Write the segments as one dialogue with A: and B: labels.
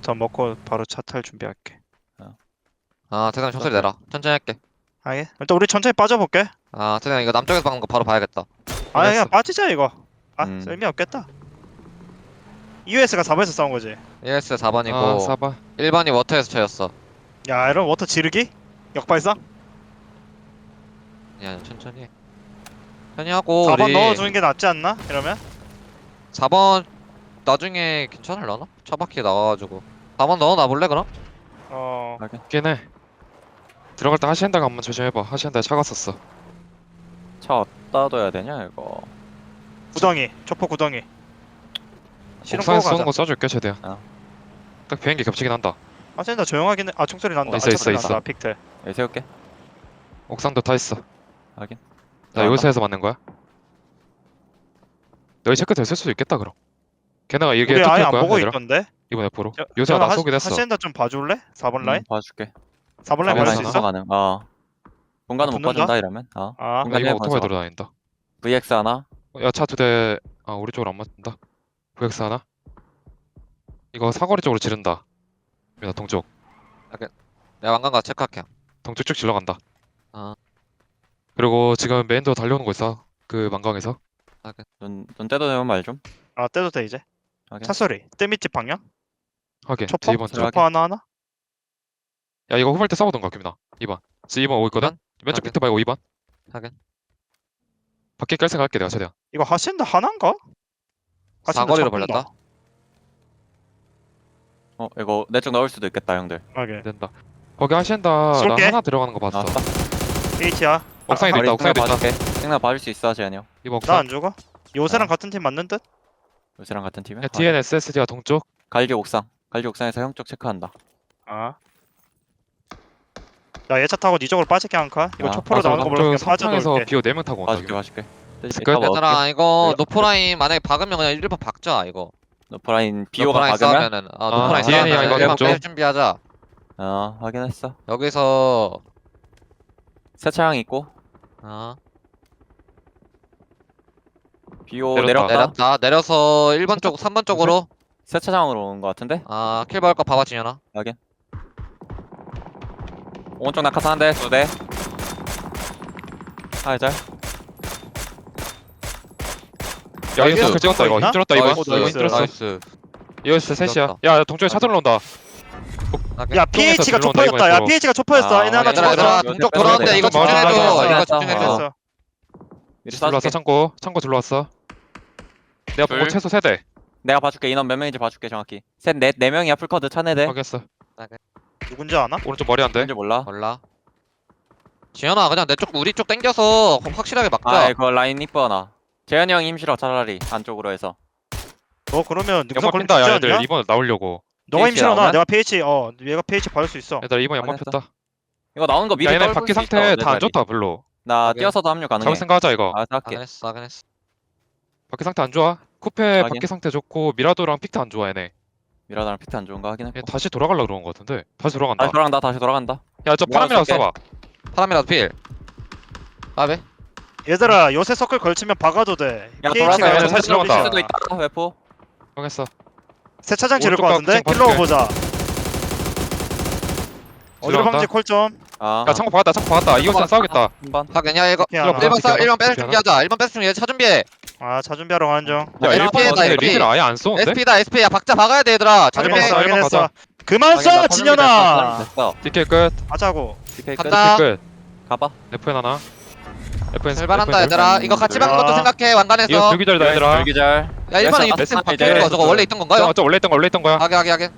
A: 더 먹고 바로 차 탈 준비할게.
B: 아 태상 총소리 내라. 천천히 할게.
A: 아예. 일단 우리 천천히 빠져볼게.
B: 아 태상 이거 남쪽에서 박는 거 바로 봐야겠다.
A: 아 그냥
C: 알겠어.
A: 빠지자 이거. 아
C: 음.
A: 의미 없겠다. EOS가 4번에서 싸운 거지.
B: ES 4번이고
C: 아 4번
B: 1번이 워터에서 쳐였어.
A: 야 이런 워터 지르기? 역발상?
B: 아니 천천히 해. 천천히 하고
A: 4번
B: 우리
A: 넣어주는 게 낫지 않나? 이러면?
B: 4번 나중에 괜찮을라나? 차 바퀴 나와가지고 4번 넣어놔 볼래 그럼?
A: 어.
C: 있긴 해. 들어갈 때 하시엔다가 한번 조심해봐. 하시엔다에 차가 썼어.
D: 차 어디다 둬야 되냐 이거.
A: 구덩이. 초포 구덩이. 실은
C: 옥상에서
A: 끄고
C: 쏘는
A: 가자.
C: 거 쏴줄게 최대한. 딱 비행기 겹치긴 한다.
A: 아 진짜 조용하긴 해. 아 총소리 난다.
C: 있어,
A: 아,
C: 있어,
A: 총소리
C: 있어.
A: 난다. 픽트.
D: 여기 세울게.
C: 옥상도 타 있어.
D: 확인.
C: 나 여기서 해서 맞는 거야? 너희 체크 됐을 수도 있겠다 그럼. 걔네가 이게
A: 우리 아예
C: 툭할
A: 안
C: 거야
A: 보고
C: 얘들아.
A: 있던데?
C: 이번 F로.
A: 저-
C: 요새가
A: 저는
C: 나 쏘긴 했어.
A: 하시엔다 좀 봐줄래? 4번 라인?
D: 봐줄게.
A: 4번 라인
C: 사번
A: 받을 수
C: 라인
A: 있어?
D: 가능. 공간은 못
A: 붙는다?
D: 봐준다 이러면.
A: 아
D: 공간
C: 이거
D: 내에
C: 오토바이
D: 먼저.
C: 돌아다닌다.
D: VX 하나.
C: 야 차 두 대. 아 우리 쪽으로 안 맞는다. VX 하나. 이거 사거리 쪽으로 지른다. 나 동쪽.
B: 내가 왕관가 체크할게.
C: 동쪽 쭉 질러간다.
B: 아.
C: 그리고 지금 메인도어 달려오는 거 있어. 그 만강에서.
D: 눈 떼도 되면 말 좀.
A: 아 떼도 돼 이제.
D: 확인.
A: 차 소리. 떼밑집 방향?
C: 하게.
A: 초퍼?
C: 2번 쪽.
D: 들어가.
A: 초퍼 하나?
C: 야 이거 후발 때 싸우던가 김민아. 2번. 지금 2번 오고 있거든. 왼쪽
B: 하게.
C: 픽트 말고 2번.
B: 하긴.
C: 밖에 깔 생각 할게 내가 최대한.
A: 이거 하시엔다 하나인가? 하시엔다
B: 사거리로
A: 차 끈다.
B: 벌렸다.
D: 이거 내 쪽 넣을 수도 있겠다 형들.
A: 하게.
C: 안 된다. 거기 하시엔다 나
A: 쏠게.
C: 하나 들어가는 거 봤어.
D: 나왔다.
A: H야.
C: 옥상에도 있다. 옥상에도 있다.
D: 봐줄게. 생각 봐줄 수 있어 재현이 형.
C: 2번 옥상.
A: 나 안 죽어? 요새랑
D: 아.
A: 같은 팀 맞는 듯?
D: 요새랑 같은 팀이야.
C: 야, DNSSD가 동쪽.
D: 갈기 옥상. 갈기 옥상에서 형 쪽 체크한다.
A: 아. 야 얘 차 타고 니 쪽으로 빠질게 한 칸. 이거
D: 아,
A: 초포로
D: 맞아,
A: 나오는 거 몰라. 그냥
C: 삼창에서
A: 빠져놓을게.
C: 비오 4명 타고 온다.
D: 봐줄게 봐줄게.
C: 끝?
D: 이따 먹을게.
B: 얘들아 이거
A: 그래?
B: 노포라인 만약에 박으면 그냥 1번 박자 이거.
D: 노프라인 비오가
B: 노포라인
D: 박으면.
B: 싸우면은 노포라인
C: DN이
B: 싸우면
C: 이거
B: 1번
C: 왼쪽.
B: 뺄 준비하자.
D: 확인했어.
B: 여기서
D: 세차장 있고 비오
C: 내렸다.
D: 내렸다.
B: 내려서 1번 쪽 3번 쪽으로
D: 세차장으로 오는 거 같은데.
B: 킬 박을 거 봐봐 진현아.
D: 오른쪽 낙하산 한 대, 두 대. 잘.
C: 야 이거
B: 나이스.
C: 그 찍었다 이거.
A: 있나?
C: 힘들었다 이거.
A: 나이스.
C: 이거 힘들었어.
B: 나이스.
C: 이거 진짜 셋이야.
B: 찍었다.
C: 야 동쪽에 차 들러온다.
A: 야
C: 똥에서
A: PH가
C: 들러온다,
A: 초포였다. 야
C: 이거.
A: PH가 초포였어.
D: 아,
A: 얘네 하나
B: 얘들아
A: 죽었어.
B: 동쪽 돌아오는데 이거
C: 맞아, 맞아,
B: 집중해줘.
C: 맞아,
B: 이거
D: 맞아.
B: 집중해줘.
A: 알겠어.
D: 미리
C: 들러왔어
D: 쏴줄게.
C: 창고 들러왔어. 내가 보고
B: 둘.
C: 최소 3대.
D: 내가 봐줄게. 인원 몇 명인지 봐줄게 정확히. 네 명이야 풀커드 차네대.
C: 확인했어.
A: 누군지 아나?
C: 오른쪽 머리 안 돼.
D: 뭔지 몰라.
B: 몰라. 지현아 그냥 내 쪽 우리 쪽 당겨서 확실하게 막자.
D: 아 이거 라인 이뻐나. 재현이 형 힘실어 차라리 안쪽으로 해서.
A: 너 그러면 능선
C: 연막
A: 걸리
C: 핀다.
A: 지
C: 야 얘들
A: 않냐?
C: 2번 나오려고.
A: 너가
D: PH
A: 힘실어놔.
D: 나오면?
A: 내가 PH 얘가 PH 받을 수 있어.
C: 얘들 2번 연막
D: 확인했어.
C: 폈다.
D: 이거 나오는 거 미리
C: 야 얘네
D: 떨굴
C: 바퀴
D: 수
C: 상태
D: 있어, 내
C: 다 안
D: 자리.
C: 좋다 별로.
D: 나
B: 확인.
D: 뛰어서도 합류 가능해.
C: 잡을 생각하자 이거.
D: 할게.
B: 확인했어.
C: 바퀴 상태 안 좋아. 쿠페
D: 확인.
C: 바퀴 상태 좋고 미라도랑 픽트 안 좋아 얘네.
D: 미라다랑 피트 안 좋은 거 확인했고.
C: 얘 다시 돌아가려고 그러는 거 같은데. 다시 돌아간다.
D: 다시 돌아간다.
C: 야 저 파람이라도
D: 쏠게.
C: 써봐.
B: 파람이라도 필. 아베.
A: 얘들아 요새 서클 걸치면 박아도 돼.
D: 야,
A: PH가
D: 돌아가.
C: 얘네
A: 요새
C: 살
A: 서클
C: 들어간다.
D: 수도
A: 있어.
D: 있다. 웨포.
C: 확인했어.
A: 세차장 지를 것
C: 오른쪽
A: 같은데?
C: 각
A: 킬러
C: 봐줄게.
A: 보자. 어디로
C: 들어간다.
A: 방지 콜좀.
C: 야 창고 박았다. 이거 진짜 싸우겠다.
D: 한번.
B: 확인. 야 이거
A: 피하나?
B: 1번 싸 1번 뺄
C: 피하나?
B: 준비하자. 1번 뺄 준비해. 차 준비해.
A: 차 준비하러 가는 중.
C: 야
B: SP 다
C: 1번인데
B: SP.
C: 리필 아예 안 쏘는데?
B: SP다 SP. 야 박자 박아야 돼 얘들아. 차 준비해.
C: 확인했어.
A: 확인했어. 그만
D: 확인,
A: 써
D: 나
A: 진현아.
D: 됐어.
C: DK 끝.
A: 하자고.
D: DK 끝.
B: 간다.
C: DK 끝.
D: 가봐.
C: FN 하나. FN
B: 출발한다 얘들아. 이거 같이 박는 것도
A: 아.
B: 생각해.
C: 이거
B: 완간해서.
C: 불기절이다 얘들아.
D: 불기절.
B: 야 1번은 이
D: 됐어,
B: 바뀌는
D: 이제.
B: 거 저거 원래 있던 건가요?
C: 저 원래 있던 거야.
B: 하게.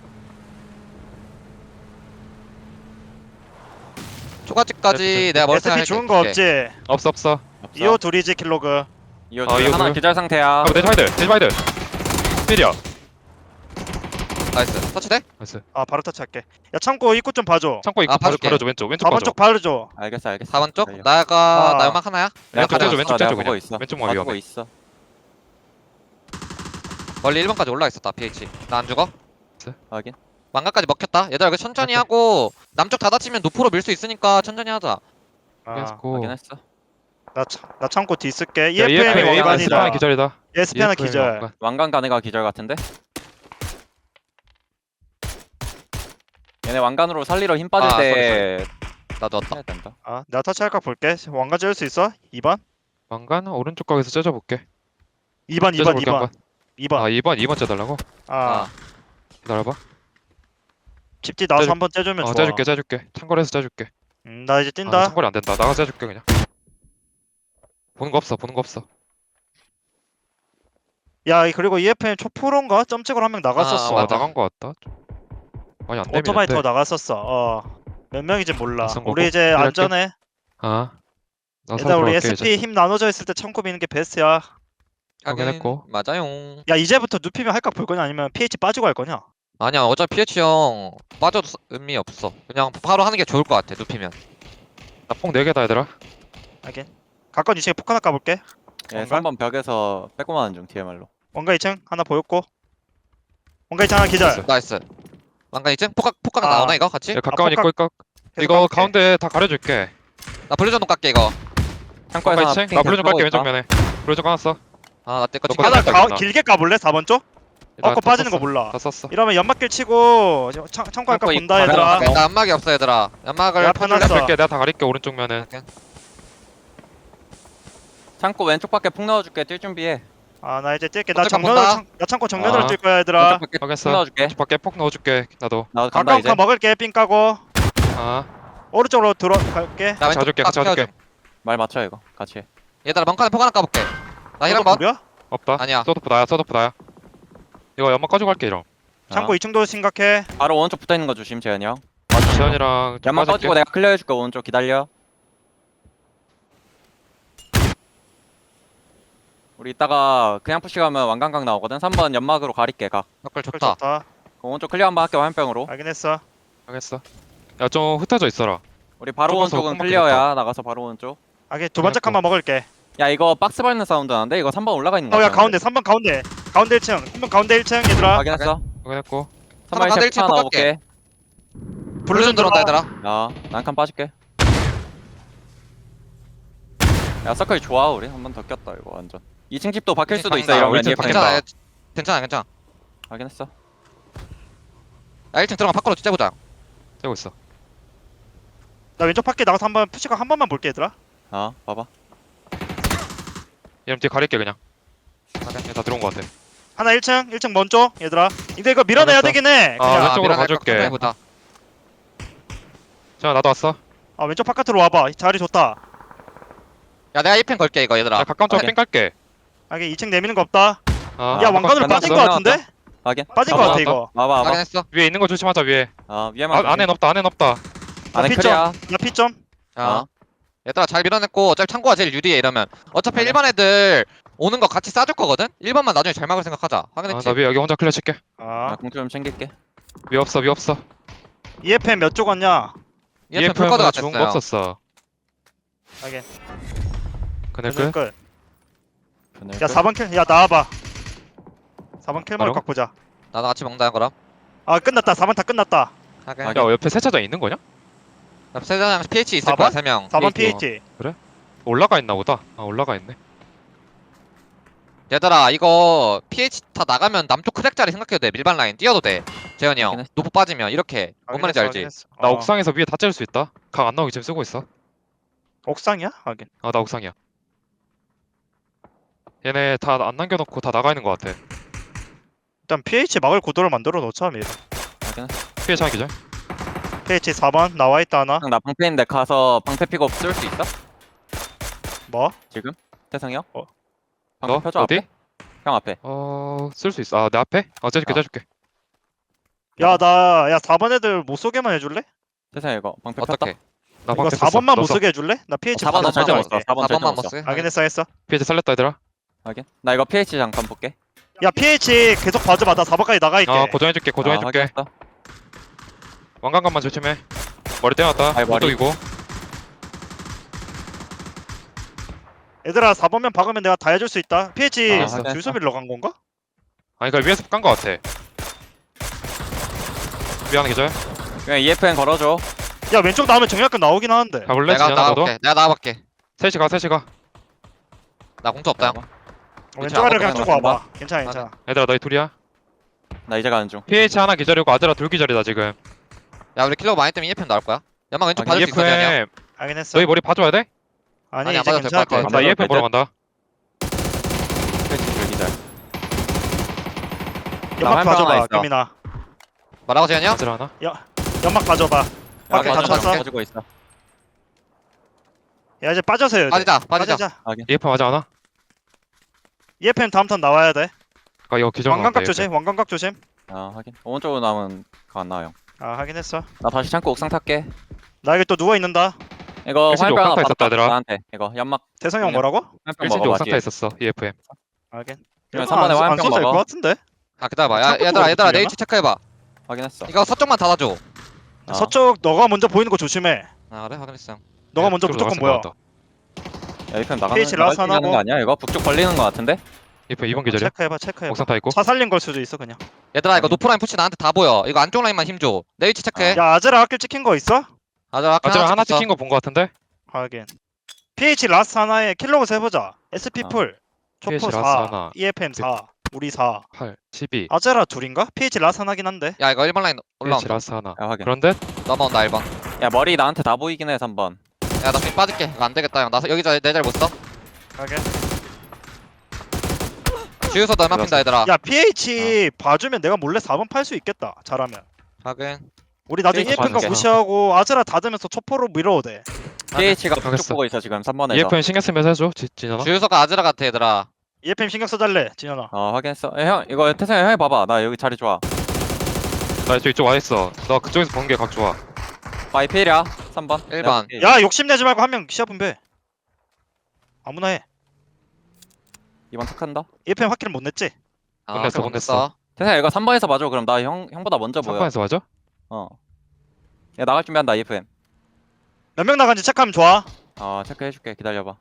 B: 초가집까지 내가 머리
A: SP
B: 생각할게.
A: 좋은 거 없지?
C: 없어.
A: 이호 둘이지 킬로그.
D: 이거
C: 아, 이거
D: 하나
C: 뭐야?
D: 기절 상태야.
C: 대지바이드. 필이야.
B: 나이스. 터치돼?
C: 나이스.
A: 바로 터치할게. 야 창고 입구 좀 봐줘.
C: 창고 입구
B: 봐줄게.
C: 바로줘 왼쪽
A: 4번
C: 봐줘.
A: 쪽 바르줘.
D: 알겠어.
B: 4번 쪽?
D: 달려.
B: 나 연막 하나야?
D: 내가
C: 왼쪽 째줘
D: 가려놨어.
C: 왼쪽
D: 내가
C: 째줘
D: 보고
C: 그냥.
D: 있어.
C: 왼쪽만
D: 봐주고
C: 위험해.
D: 있어.
B: 멀리 1번까지 올라가 있었다 PH. 나 안 죽어?
D: 확인.
B: 망가까지 먹혔다. 얘들아 이거 천천히 하고 남쪽 다 다치면 노프로 밀 수 있으니까 천천히 하자.
C: 고.
D: 확인했어.
A: 나 창고 뒤 쓸게.
C: 야,
A: EFM이
C: EFM
A: 왕관이다.
C: A반 기절이다.
A: SP 하나
C: EFM
A: 기절.
C: 왕관.
D: 왕관 가네가 기절 같은데? 얘네 왕관으로 살리러 힘 빠질
B: 아,
D: 때
B: 나도 왔다.
D: 해야 된다.
A: 아 내가 터치할까 볼게. 왕관 찌를 수 있어? 2번?
C: 왕관은 오른쪽 각에서 째줘볼게.
A: 2번 2번
C: 째줘볼게
A: 2번
C: 한번.
A: 2번.
C: 아 2번 째달라고?
A: 아
C: 기다려봐.
A: 집지 나와서
C: 째줄-
A: 한번 째주면 좋아.
C: 째줄게. 창거리에서 째줄게.
A: 나 이제
C: 아,
A: 뛴다.
C: 창거리 안 된다. 나가서 째줄게 그냥. 보는 거 없어.
A: 야 그리고 EFM 초프로인가? 점찍으로 한 명 나갔었어.
B: 맞아.
C: 나간 거 같다. 많이 안
A: 오토바이
C: 내미는데.
A: 타고 나갔었어. 몇 명인지 몰라.
C: 낯선 거고?
A: 우리 이제
C: 그럴게.
A: 안전해.
C: 아. 나
A: 일단 우리
C: 들어갈게,
A: SP 힘 나눠져 있을 때 창고 미는 게 베스트야.
C: 확인했고.
B: 맞아요.
A: 야 이제부터 눕히면 할까 볼 거냐 아니면 PH 빠지고 할 거냐?
B: 아니야, 어차피 PH 형 빠져도 의미 없어. 그냥 바로 하는 게 좋을 것 같아, 눕히면.
C: 나폭 4개다 얘들아.
A: 하긴. 가까운 2층에 폭 하나 까볼게.
D: 얘
A: 왕관?
D: 3번 벽에서 빼고만 중 DMR로.
A: 원가 2층 하나 보였고. 원가 2층 하나 기절.
B: 나이스. 왕관 있지? 폭각
A: 아.
B: 나오나 이거 같이?
C: 야, 가까운
A: 폭각-
C: 입고
A: 계속
C: 이거
A: 까볼게.
C: 가운데 다 가려줄게.
B: 나 블루전동 깎게 이거.
D: 창고에서
C: 가까이
D: 하나
C: 층? 나 블루 좀
D: 핑
C: 깔게
D: 있다.
C: 왼쪽 면에. 블루 좀 까놨어.
B: 아, 나 때거
C: 너
B: 찍혀.
C: 거다
A: 하나
C: 깎아 있나?
A: 길게 까볼래? 4번 쪽?
C: 나
A: 꺾고
C: 다
A: 빠지는 거
C: 썼어.
A: 몰라.
C: 다 썼어.
A: 이러면 연막길 치고 창고 할까
D: 창고
A: 본다
D: 있고
A: 얘들아.
D: 가면-
B: 나 연막이 없어 얘들아. 연막을
A: 야,
B: 퍼줄래?
A: 펴놨어.
C: 뺄게. 내가 다 가릴게 오른쪽 면은.
D: 창고 왼쪽 밖에 폭 넣어줄게. 뛸 준비해.
A: 아 나 이제 뛸게. 나
B: 어쩔
A: 정면으로
B: 건가?
A: 나 창고 정면으로
C: 아.
A: 뛸 거야 얘들아.
D: 왼쪽 밖에 폭
C: 확인했어.
D: 넣어줄게.
C: 왼쪽 밖에 폭 넣어줄게. 나도.
D: 나도 간다
A: 가까운
D: 이제.
A: 카 먹을게. 삥 까고
C: 아.
A: 오른쪽으로 들어갈게.
B: 나 왼쪽
C: 자줄게,
B: 깎
C: 자줄게.
B: 펴줘.
D: 말 맞춰 이거. 같이 해.
B: 얘들아 멍칸에 폭 하나 까볼게. 나 힐 한번.
A: 뭐야?
C: 없다.
B: 아니야.
C: 서도프 나야. 이거 연막 가지고 갈게 이럼.
A: 창고 2층도 심각해.
D: 바로 오른쪽 붙어 있는 거 조심 재현이 형.
C: 지현이랑 좀
D: 연막
C: 빠질게.
D: 꺼지고 내가 클리어 해줄게. 오른쪽 기다려. 우리 이따가 그냥 푸시 가면 왕관각 나오거든. 3번 연막으로 가릴게 각.
B: 덕글
A: 좋다.
B: 좋다.
A: 좋다.
D: 오른쪽 클리어 한번 할게 화염병으로.
A: 확인했어.
C: 알겠어. 야 좀 흩어져 있어라.
D: 우리 바로
C: 좁아서
D: 오른쪽은
C: 깜빡
D: 클리어야. 나가서 바로 오른쪽.
A: 하긴 두 번째 칸만 먹을게.
D: 야 이거 박스 밟는 사운드 나는데 이거 3번 올라가 있는 거
A: 어야
D: 같아.
A: 가운데 3번 가운데. 가운데 1층. 3번 가운데 1층 얘들아.
D: 확인했어.
C: 확인했고.
D: 3번
B: 가운데
D: 1층
B: 1층
D: 하나 넣어볼게.
B: 블루전 들어온다 얘들아.
D: 야 난칸 빠질게. 야 서클 좋아 우리. 한 번 더 꼈다 이거 완전. 2층 집도 박힐 수도 있어
B: 박힌다.
D: 이러면.
C: 우리 팀
D: EFM.
C: 박힌다.
B: 괜찮아.
D: 확인했어.
B: 야 1층 들어가 밖으로 찢어보자.
C: 째고 있어.
A: 나 왼쪽 밖에 나가서 한번 푸시가 한 번만 볼게 얘들아.
D: 봐봐.
C: 이름 뒤에 가릴게 그냥. 얘 다 들어온 거 같아.
A: 하나 1층 먼저 얘들아. 근데 이거 밀어내야
C: 알았어.
A: 되긴 해.
C: 아,
A: 그냥
C: 왼쪽으로 가줄게.
B: 해보자.
C: 자 나도 왔어.
A: 왼쪽 바깥으로 와봐. 자리 좋다.
B: 야 내가 1펜 걸게 이거 얘들아.
C: 자 가까운 쪽에
D: 오케이.
C: 삥 깔게.
A: 하긴 2층 내미는 거 없다.
C: 아,
A: 야
D: 왕관
A: 왕관으로
D: 끝났어.
A: 빠진 거 같은데?
D: 확인.
A: 빠진 거
C: 아,
A: 같아
C: 맞다.
A: 이거.
D: 와봐.
B: 확인했어.
C: 위에 있는 거 조심하자 위에.
D: 위에만.
C: 안엔 없다.
D: 안에
A: 나
D: 클리어.
A: 나 P점.
B: 야 얘들아 잘 밀어냈고 어차피 창고가 제일 유리해 이러면. 어차피 일반 애들 오는 거 같이 싸줄 거거든? 1번만 나중에 잘 막을 생각하자. 확인했지?
C: 나 위에 여기 혼자 클리어 칠게.
D: 나 공투 좀 챙길게.
C: 위에 없어.
A: EFM 몇 쪽 왔냐?
B: EFM 풀커드가
C: EFM은 좋은 거
B: 됐어요.
C: 없었어.
A: 하긴.
C: 그네
A: 끝.
C: 끝.
A: 야 4번 킬. 야 나와봐. 4번 킬
C: 바로?
A: 먹을 각 보자.
B: 나도 같이 먹는다 그럼.
A: 끝났다. 4번 다 끝났다.
B: 확인.
D: 아,
C: 야 옆에 세차장 있는 거냐?
B: 세자장 PH 있을
A: 4번?
B: 거야 3명.
A: 4번
D: PH.
A: PH.
C: 올라가 있나 보다. 올라가 있네.
B: 얘들아 이거 PH 다 나가면 남쪽 크랙 자리 생각해도 돼. 밀반 라인 뛰어도 돼. 재현이 형.
D: 확인했어.
B: 노포 빠지면 이렇게. 뭔 말인지 알지?
C: 나 옥상에서 위에 다 째릴 수 있다. 각 안 나오게 지금 쓰고 있어.
A: 옥상이야? 하긴.
C: 나 옥상이야. 얘네 다 안 남겨놓고 다 나가 있는 거 같아.
A: 일단 PH 막을 구도를 만들어 놓자 미리.
D: 확인했어.
C: 피해 차기 전.
A: PH 4번 나와 있다 하나.
D: 형, 나 방패인데 가서 방패 픽업 쓸 수 있어?
A: 뭐?
D: 지금? 태성이 형?
A: 어.
D: 방패
C: 너?
D: 펴줘
C: 어디?
D: 앞에? 형 앞에.
C: 쓸 수 있어. 내 앞에? 째줄게.
A: 야 4번 애들 못 쏘게만 해줄래?
D: 태성이 이거 방패 폈다.
B: 어떻게?
C: 나
A: 이거
C: 방패
A: 4번만 못
C: 폈어.
A: 쏘게 해줄래? 나 PH
D: 4번은
A: 4번만
D: 절대 못
A: 할게.
D: 써. 4번 절대
B: 4번만
D: 못
B: 못
D: 써.
B: 쓰.
A: 확인했어 했어.
C: 피해 살렸다 얘들아.
D: 확인. 나 이거 PH 잠깐 볼게.
A: 야 PH 계속 봐줘봐. 나 4번까지 나가 있게.
C: 고정해줄게.
D: 확인했어.
C: 왕관감만 조심해. 머리 떼놨다.
D: 아이, 머리.
C: 이고
A: 얘들아 4번면 박으면 내가 다 해줄 수 있다. PH
D: 확인했어.
A: 주소비로 간 건가?
C: 아니 그니까 위에서 깐 거 같아. 미안해 계절.
D: 그냥 EFN 걸어줘.
A: 야 왼쪽 나오면 정약근 나오긴 하는데.
C: 가볼래?
B: 내가
C: 지현아 너도?
B: 나가볼게. 내가 나가볼게.
C: 셋이 가.
B: 나 공투 없다 형.
A: 왼쪽 아래 그냥
D: 아무것도
A: 쭉
D: 안
A: 와봐. 괜찮아.
C: 얘들아 너희 둘이야.
D: 나 이제 가는 중.
C: PH 하나 기절이고 아들아 둘 기절이다 지금.
B: 야 우리 킬러 많이 때문에 EFM 나올 거야. 연막 왼쪽 봐줄 수 있어 재현이 형.
C: EFM
A: 하긴 했어.
C: 너희 머리 봐줘야 돼?
A: 아니
B: 아니, 안
A: 이제
B: 봐도 될것
A: 괜찮을 것
B: 같아.
A: 같아.
C: 나
D: 맞아,
C: EFM 보러 간다.
D: 패치 불기절.
A: 연막
D: 화염병 하나
A: 봐줘봐
D: 있어.
A: 규민아.
B: 뭐라고 재현이 형?
C: 아질 하나?
A: 연막 봐줘봐.
D: 야,
A: 밖에 다
B: 맞아,
A: 쳤어.
D: 가지고 있어.
A: 야 이제 빠져서 해야 돼.
B: 빠지자.
C: EFM 하지 않아?
A: EFM 다음 턴 나와야 돼.
C: 아 이거 기절
A: 왕관각 조심. 왕관각 조심.
D: 아 확인. 오른쪽으로 남은 거 안 나와 형.
A: 아 확인했어.
D: 나 다시 창고 옥상 탈게.
A: 나 여기 또 누워 있는다.
D: 이거
C: 일신이
D: 화염병 하나
C: 옥상 타 있었다,
D: 받았다.
C: 얘들아.
D: 나한테 이거 연막
A: 대성이 형
D: 그냥-
A: 뭐라고?
D: 화염병
C: 일진이
D: 먹어봐
C: 옥상 타
D: 뒤에.
C: 있었어 EFM.
A: 하긴.
D: 그러면
A: 이거
D: 3번에
A: 안
D: 화염병
A: 써도 될것
D: 먹어.
A: 같은데.
B: 아 기다려봐. 야
A: 창고
B: 얘들아
A: 쪽으로
B: 얘들아
A: 돌려나?
B: 내 위치 체크해봐.
D: 확인했어.
B: 이거 서쪽만 닫아줘.
D: 아.
A: 서쪽 너가 먼저 보이는 거 조심해.
B: 아 그래 확인했어.
A: 너가 먼저 무조건 보여.
D: 야 이편 나가는
A: PH 라스
D: 나갈
A: 하나고.
D: 거 아니야? 이거 북쪽 걸리는 거 같은데?
C: EFM 2번 기절이야.
A: 체크해봐.
C: 옥상 타 있고.
A: 차 살린 걸 수도 있어 그냥.
B: 얘들아 이거 노프라인 푸시 나한테 다 보여. 이거 안쪽 라인만 힘줘. 내 위치 체크해.
A: 야 아즈라 학길 찍힌 거 있어?
B: 아자
C: 아질 하나 찍힌 거 본 거 같은데?
A: 하긴. PH 라스 하나에 킬로그 해보자. SP
D: 어.
A: 풀. 초포
C: PH
A: 4.
C: 라스 하나.
A: EFM 4. 우리 4.
C: 8, 12.
A: 아즈라 둘인가? PH 라스 하나긴 한데.
B: 야 이거 1번 라인
C: PH
B: 올라온다.
C: 라스 하나.
D: 야 확인.
C: 그런데
B: 넘어온다 1번.
D: 야 머리 나한테 다 보이긴 해 3번.
B: 야나 지금 빠질게. 이거 안 되겠다 형. 나 여기 내 자리 못 써.
A: 하긴.
B: 주유소도 얼마 핀다 얘들아.
A: 야 PH 봐주면 내가 몰래 4번 팔 수 있겠다. 잘하면.
B: 확인.
A: 우리 나중에
D: PH
A: EFM 거
D: 봐줄게.
A: 무시하고 아즈라 닫으면서 초포로 밀어도 돼.
D: PH가 북쪽
C: 알겠어.
D: 보고 있어 지금 3번에서.
C: EFM 신경 쓰면서 해줘. 진현아.
B: 주유소가 아즈라 같아 얘들아.
A: EFM 신경 써달래 진현아.
D: 확인했어. 야, 형 이거 태성이 형이 봐봐. 나 여기 자리 좋아.
C: 나 이쪽 와 있어. 너 그쪽에서 보는 게 각 좋아.
D: 바이 필이야 3번.
B: 1번.
A: 야 욕심내지 말고 한 명 시야 분배. 아무나 해.
D: 2번 탁한다.
A: EFM 확실히 못 냈지?
B: 아,
C: 끝냈어,
B: 그럼
C: 끝냈어.
D: 태성이 이거 3번에서 봐줘. 그럼 나 형보다 먼저 보여.
C: 3번에서 맞아?
D: 야 나갈 준비한다 EFM.
A: 몇 명 나간지 체크하면 좋아.
D: 체크해줄게. 기다려봐.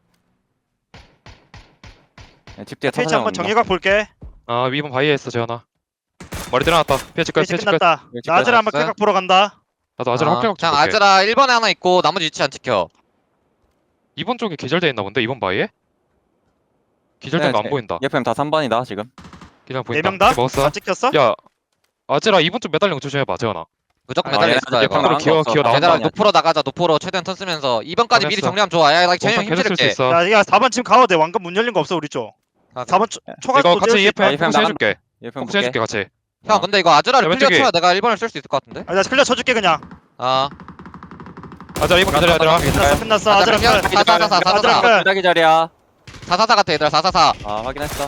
D: 야, 집 뒤에
A: PH
D: 타사장
A: 한번
D: 온다.
A: 정예각 볼게.
C: 아 2번 바위에 있어 재현아. 머리 들어놨다. PH 끝.
A: PH
C: PH 끝.
A: 끝났다.
D: PH
A: 나 아즈라 한번
B: 끝났어요?
A: 킬각 보러 간다.
C: 나도 아즈라 합격
B: 그냥
C: 줄게.
B: 아즈라 1번에 하나 있고 나머지 위치 안 찍혀.
C: 2번 쪽에 기절돼 있나 본데 2번 바위에? 기절된 거 안 보인다.
D: EFM 다 3번이다 지금.
C: 기절
A: 네
C: 보인다.
A: 명 다?
C: 먹었어.
A: 다 찍혔어?
C: 야 아즈라 2번 쪽 매달린 거 조심해봐 재현아.
B: 무조건
D: 아,
B: 매달려
D: 얘네
B: 있어
D: 얘
B: 이거.
D: 방금
C: 기어,
D: 나간 거
C: 기어
D: 없어.
C: 나온다.
B: 얘들아
D: 얘들아,
B: 노프로 나가자. 노프로 최대한 턴 쓰면서 2번까지 미리
C: 알겠어.
B: 정리하면 좋아. 야 재현이
C: 옥상
B: 형
C: 계속 쓸 수
B: 힘들게.
C: 있어.
A: 야 4번 지금 가도 돼. 왕관 문 열린 거 없어 우리 쪽.
B: 아,
A: 4번 초각
C: 이거
A: 도
C: 같이 EFM
D: EFM
C: 포커스 해줄게.
D: EFM
C: 포커스 해줄게 같이.
B: 형 근데 이거 아즈라를
C: 야,
B: 클리어
C: 왼쪽에.
B: 쳐야 내가 1번을 쓸 수 있을 것 같은데?
A: 나 클리어 쳐줄게 그냥.
B: 아
C: 아즈라 2번 기다려 얘들아.
A: 끝났어.
B: 아즈라
A: 아즈라
B: 그냥
A: 끝.
B: 444
A: 아즈라 끝.
D: 기다기 자리야.
B: 444 같아 얘들아 444.
D: 확인했어.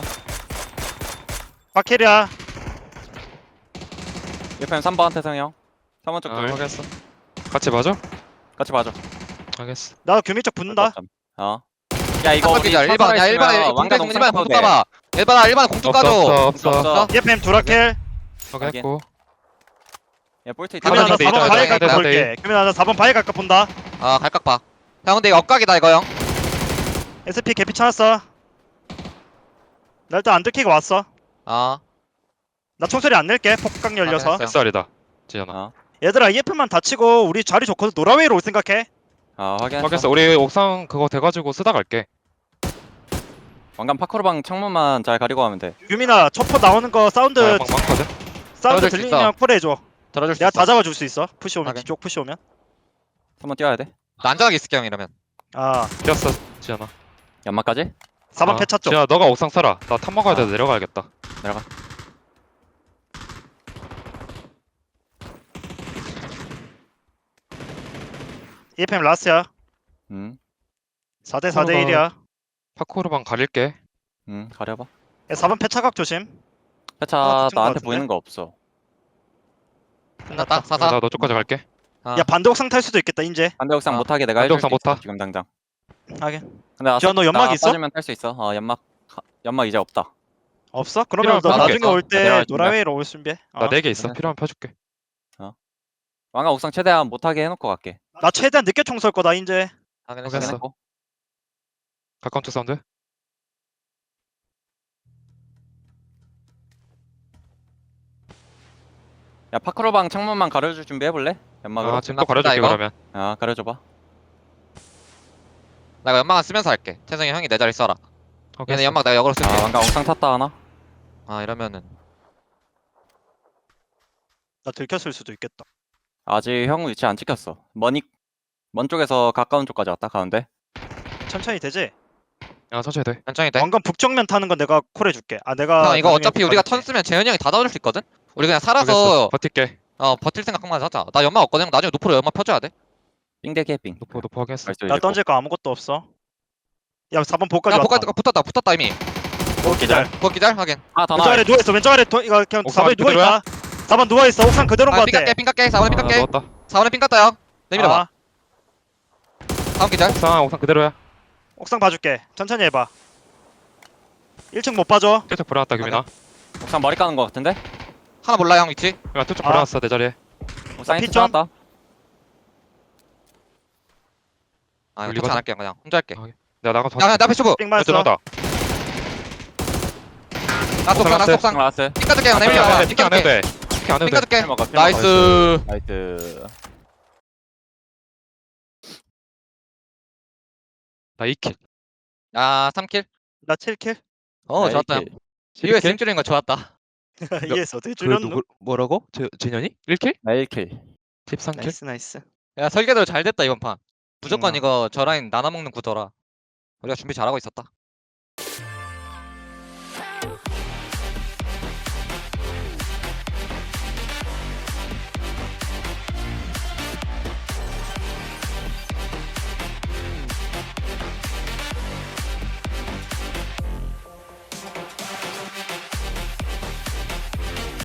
A: 박혜리야.
D: EFM 3번 태성이 형. 3번 쪽
C: 아
D: 둘.
C: 알겠어. 같이 봐줘?
D: 같이 봐줘.
C: 알겠어.
A: 나 규미 쪽 붙는다.
D: 야 이거 우리
B: 1번 야 1번에
D: 왕관
B: 공중
D: 옥상
B: 1번에 공중
D: 타도 돼.
B: 까봐. 1번에 공중
C: 없어
B: 까줘.
C: 없어 없어.
D: 없어.
A: EFM 두라켈.
C: 확인했고.
D: 야 볼트
A: 규민아 나
C: 돼,
A: 4번
C: 있다,
A: 바위
C: 있다,
A: 갈까
C: 있다,
A: 볼게. 규민아 나 4번 바위 갈까 본다.
B: 아 갈각 봐. 형 근데 이거 엇각이다 이거 형.
A: SP 개피 찾았어. 나 일단 안 들키고 왔어.
B: 아
A: 나 총소리 안 낼게. 폭각 열려서.
B: 알겠어.
C: SR이다. 지현아.
A: 얘들아 EF만 다치고 우리 자리 좋거든. 노라웨이로 올 생각해.
D: 확인했어.
C: 확인했어. 우리 옥상 그거 돼가지고 쓰다 갈게.
D: 왕관 파크로방 창문만 잘 가리고 하면 돼.
A: 규민아 초포 나오는 거 사운드
C: 나 연막 많거든.
A: 사운드
B: 떨어질 수
A: 들리면 콜해줘.
B: 들어줄 수
A: 내가
B: 있어.
A: 다 잡아줄 수 있어. 푸시 오면
B: 하긴.
A: 뒤쪽 푸시 오면.
D: 3번 뛰어야 돼.
B: 나 안전하게 있을게 형 이러면.
A: 아
C: 뛰었어 지현아.
D: 연막까지?
A: 4번 패 찾죠.
C: 지현아 너가 옥상 살아. 나 탑 먹어야 돼. 내려가야겠다.
D: 내려가.
A: EFM 라스야.
D: 응.
A: 4대 4대 1이야.
C: 파쿠르방 가릴게.
D: 가려봐.
A: 4번 패 차각 조심.
D: 회차
A: 붙은 거
D: 나한테
A: 같은데?
D: 보이는 거 없어.
B: 끝났다.
C: 나
B: 4사.
C: 너 쪽까지 갈게.
B: 아.
A: 야 반대 옥상 탈 수도 있겠다 인제.
D: 반대 옥상
B: 아,
D: 못하게 내가
C: 반대
D: 해줄 수
C: 옥상 못
D: 있어,
C: 타?
D: 지금 당장.
A: 하긴.
D: 근데
A: 지현, 너 연막
D: 나
A: 있어?
D: 빠지면 탈 수 있어. 연막 이제 없다.
A: 없어? 그러면 너
C: 필요하면
A: 나중에
C: 봐줄게.
A: 올 때
D: 내려갈 준비야.
A: 노라웨이로 올 준비해.
C: 나 4개 있어. 필요하면 펴줄게.
D: 왕관 옥상 최대한 못하게 해놓고 갈게.
A: 나 최대한 늦게 총 쏠 거다 인제.
B: 확인했어.
C: 확인했어.
D: 확인했고.
C: 가까운 쪽 사운드.
D: 야 파크로방 창문만 가려줄 준비해볼래? 연막으로.
C: 아 지금 또 가려줄게
B: 이거?
C: 그러면.
D: 가려줘봐.
B: 나 이거 연막만 쓰면서 할게. 태성이 형이 내 자리 써라. 얘네
C: 확인했어.
B: 연막 내가 역으로 쓸게.
D: 왕관 옥상 탔다 하나?
B: 아 이러면은
A: 나 들켰을 수도 있겠다.
D: 아직 형 위치 안 찍혔어. 먼 쪽에서 가까운 쪽까지 왔다 가운데.
A: 천천히 되지?
C: 야 천천히 돼.
B: 천천히 돼.
A: 왕관 북정면 타는 건 내가 콜해줄게. 아 내가
B: 형 이거
A: 나중에
B: 어차피 우리가 턴
A: 가줄게.
B: 쓰면 재현이 형이 다 잡아줄 수 있거든? 우리 그냥
C: 알겠어.
B: 살아서
C: 버틸게.
B: 버틸 생각만 하자. 나 연막 없거든. 나중에 노프로 연막 펴줘야 돼.
D: 빙대 개빙.
C: 노포 하겠어.
D: 나이스,
A: 나
D: 이제
A: 던질 거 아무것도 없어. 야 4번 복까지
B: 야
A: 왔다.
B: 붙었다 붙었다 이미.
A: 기절.
B: 그거 기절 하긴.
D: 하나 더
A: 왼쪽
D: 나와.
A: 아래 누워 있어. 왼쪽 아래 이거 그냥
C: 옥상
A: 4번에 누워
C: 그대로야?
A: 있다. 4번 누워 있어. 옥상 그대로인 거
B: 아
A: 같아.
B: 삥 깎게 4번에 삥 깎게.
C: 넣었다.
B: 4번에 삥 깎다 형. 내밀어봐.
A: 아,
B: 다음 기절.
C: 옥상 그대로야.
A: 옥상 봐줄게. 천천히 해봐. 1층 못 봐줘.
C: 쪽 불어놨다 규민아.
D: 옥상 머리 까는 거 같은데?
B: 하나 몰라 형 위치.
C: 야 쪽
A: 아.
C: 불어놨어 내 자리에.
D: 옥상 히트
A: 피점?
D: 놨다.
B: 아 이거
C: 올리거든?
B: 터치 안 할게 그냥 혼자 할게.
C: 내가 나가 더.
B: 야야 나 패쇼부.
A: 삥
C: 왼쪽
A: 맞았어.
C: 나다.
B: 나 속상 나
C: 나이스.
B: 속상.
D: 나왔어.
B: 삥 깎을게 형
C: 안
B: 내밀어봐.
C: 해도 돼.
B: 삥
C: 피키 안 해도
B: 깎을게.
C: 돼. 피키 안 해도
B: 삥
C: 돼.
B: 깎을게.
D: 먹어.
B: 나이스.
D: 나이스.
C: 나 2킬.
B: 야 3킬.
A: 나 7킬.
B: 좋았다 형. 이거 징줄인 거 좋았다.
A: 이해했어. 어떻게
C: 그
A: 줄였노?
C: 누구 뭐라고? 재현이? 1킬?
D: 나 1킬.
C: 13킬?
A: 나이스 나이스.
B: 야 설계대로 잘 됐다 이번 판. 무조건
A: 음.
B: 이거 저 라인 나눠 먹는 구도라. 우리가 준비 잘하고 있었다.